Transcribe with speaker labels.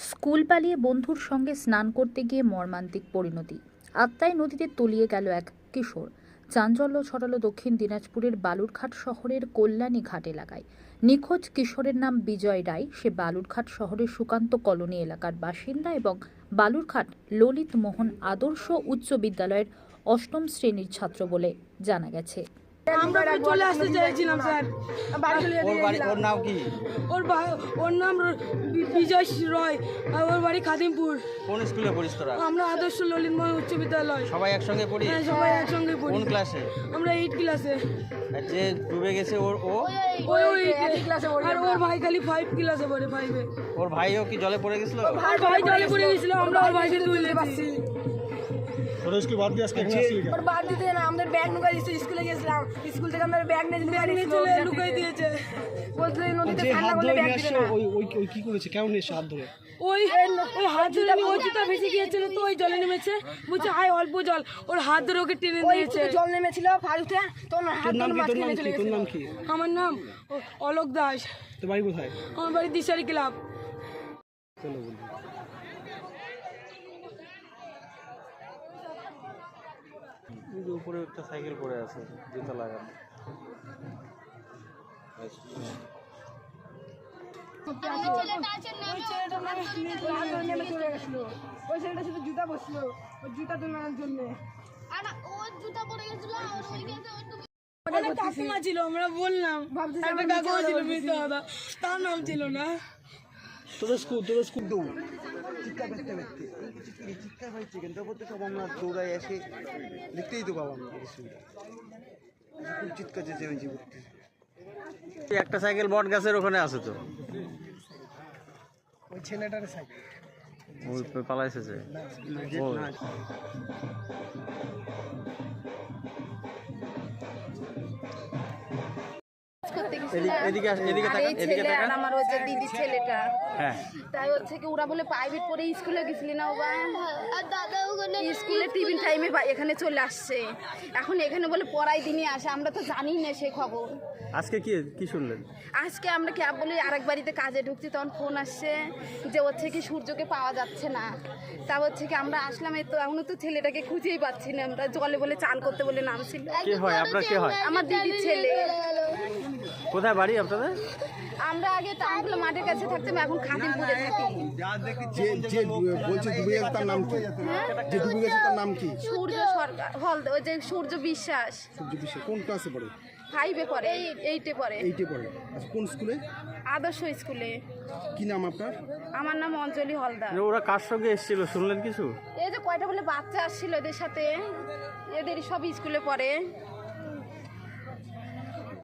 Speaker 1: School পালিয়ে বন্ধুর সঙ্গে স্নান করতে গিয়ে মর্মান্তিক পরিণতি। আত্মায় নদীতে তলিয়ে গেল এক কিশোর। চাঞ্চল্য ছড়ালো দক্ষিণ দিনাজপুরের বালুরঘাট শহরের কল্যাণী ঘাট এলাকায়। নিখোঁজ কিশোরের নাম বিজয় রায়। সে বালুরঘাট শহরের সুকান্ত কলোনি এলাকার বাসিন্দা এবং বালুরঘাট ললিত মোহন আদর্শ উচ্চ বিদ্যালয়ের অষ্টম শ্রেণীর ছাত্র বলে জানা গেছে।
Speaker 2: আমরা চলে আসতে চাইছিলাম স্যার।
Speaker 3: ওর নাম কি?
Speaker 2: ওর নাম বিজয় রয় আর ওর বাড়ি খাদিমপুর।
Speaker 3: কোন স্কুলে পড়িস তোরা?
Speaker 2: আমরা আদর্শ ললিত মোহন উচ্চ বিদ্যালয়।
Speaker 3: সবাই একসঙ্গে পড়ি?
Speaker 2: হ্যাঁ, সবাই একসঙ্গে পড়ি।
Speaker 3: কোন ক্লাসে?
Speaker 2: আমরা 8 ক্লাসে।
Speaker 3: আর যে ডুবে গেছে ওই
Speaker 2: ক্লাসে পড়ে। আর ওর ভাই খালি 5 ক্লাসে পড়ে, 5 এ।
Speaker 3: ওর ভাইও কি জলে পড়ে গেছিল?
Speaker 2: ভাই জলে পড়ে গেছিল, আমরা ওর ভাইকে তুলতে পারছি।
Speaker 4: ওরা স্কুল বাদ দিয়ে আজকে এখানে আসি
Speaker 5: ওর বাদ দিতে না, আমাদের ব্যাগ লুকাই দিয়েছে। স্কুলে গেছিলাম, স্কুল থেকে আমাদের ব্যাগ নিয়ে
Speaker 2: চলে লুকাই দিয়েছে।
Speaker 5: বলতে নদীতে
Speaker 4: যে
Speaker 5: ঠান্ডা
Speaker 4: হাত
Speaker 5: করলে
Speaker 4: ধরে
Speaker 5: ব্যাগ
Speaker 4: নিয়ে
Speaker 5: দিবে
Speaker 4: আসছে
Speaker 5: না।
Speaker 4: ওই কি করেছে? কেমন নিয়ে হাত ধরে?
Speaker 2: ওই হাত ধরে ওই জুতা ভেসে গিয়েছিল, তো ওই জলে নেমেছে, বুঝছে আয় অল্প জল, ওর হাত ধরে ওকে টেনে
Speaker 5: ওই
Speaker 2: নিয়েছে।
Speaker 5: জল নেমেছিল ফালুতে, তখন হাত
Speaker 4: তোর নাম
Speaker 5: ধরে
Speaker 4: কি? তোর
Speaker 5: মাঝখানে
Speaker 4: নাম
Speaker 5: চলে
Speaker 4: কি? তোর
Speaker 5: গেছিল।
Speaker 4: নাম কি?
Speaker 2: আমার নাম অলোক দাস।
Speaker 4: তোর বাড়ি কোথায়?
Speaker 2: আমার বাড়ি দিশারি ক্লাব।
Speaker 4: চলো বলবি।
Speaker 3: উপরে একটা সাইকেল পড়ে আছে, জুতা লাগানো।
Speaker 5: ওই ছেলেটা শুধু জুতা বসলো, ওই জুতা তোলার জন্য।
Speaker 2: কাকিমা ছিল, আমরা বললাম একটা কাকিমা ছিল, মিথ্যা কথা, তার নাম ছিল না।
Speaker 4: তোদের স্কুল
Speaker 6: চিৎকার পাইছে কিন্তু তারপর তো সব আমরা দৌড়াই এসে দেখতেই তো পাবো আমরা খুব চিৎকার চেঁচেমেচি করতে।
Speaker 3: একটা সাইকেল বট গাছের ওখানে আছে তো,
Speaker 4: ওই ছেলেটার সাইকেল
Speaker 3: ওই পালাইছে যে। এদিকে
Speaker 7: আমার হচ্ছে দিদি ছেলেটা।
Speaker 3: হ্যাঁ,
Speaker 7: তাই হচ্ছে কি ওরা বলে প্রাইভেট পড়ে স্কুলে গেছিলি না, স্কুলে টিফিন টাইমে এখানে চলে আসছে। এখন এখানে বলে পড়াই দিনই আসে, আমরা তো জানি না সে খবর।
Speaker 3: আজকে কি শুনলেন?
Speaker 7: আজকে আমরা ক্যাব বলে আরেক বাড়িতে কাজে ঢুকছি, তখন ফোন আসছে যে হচ্ছে কি সূর্যকে পাওয়া যাচ্ছে না। তা হচ্ছে কি আমরা আসলাম, এই তো এখনো তো ছেলেটাকে খুঁজেই পাচ্ছি না। আমরা জলে বলে চান করতে বলে নামছিল।
Speaker 3: কে হয় আপনার? কে হয়?
Speaker 7: আমার দিদির ছেলে।
Speaker 3: কোথায় বাড়ি আপনাদের?
Speaker 7: আমরা আগে টাউনগুলো মাঠের কাছে থাকতাম, এখন খাদিমপুরে থাকি।
Speaker 6: যে বলছে ডুবে গেছে তার নাম কি? যে ডুবে গেছে তার নাম কি?
Speaker 7: সূর্য সরকার ওই যে সূর্য বিশ্বাস।
Speaker 6: সূর্য বিশ্বাস কোন ক্লাসে পড়ে?
Speaker 7: 5-এ পড়ে, 8-এ পড়ে।
Speaker 6: 8-এ পড়ে। আচ্ছা, কোন স্কুলে?
Speaker 7: আদর্শ স্কুলে।
Speaker 6: কি নাম আপনার?
Speaker 7: আমার নাম অঞ্জলি হলদার।
Speaker 3: ওরা কার সঙ্গে এসেছিল শুনলেন কিছু?
Speaker 7: এই যে কয়টা বলে বাচ্চা আসছিল এদের সাথে, এদের সব স্কুলে পড়ে।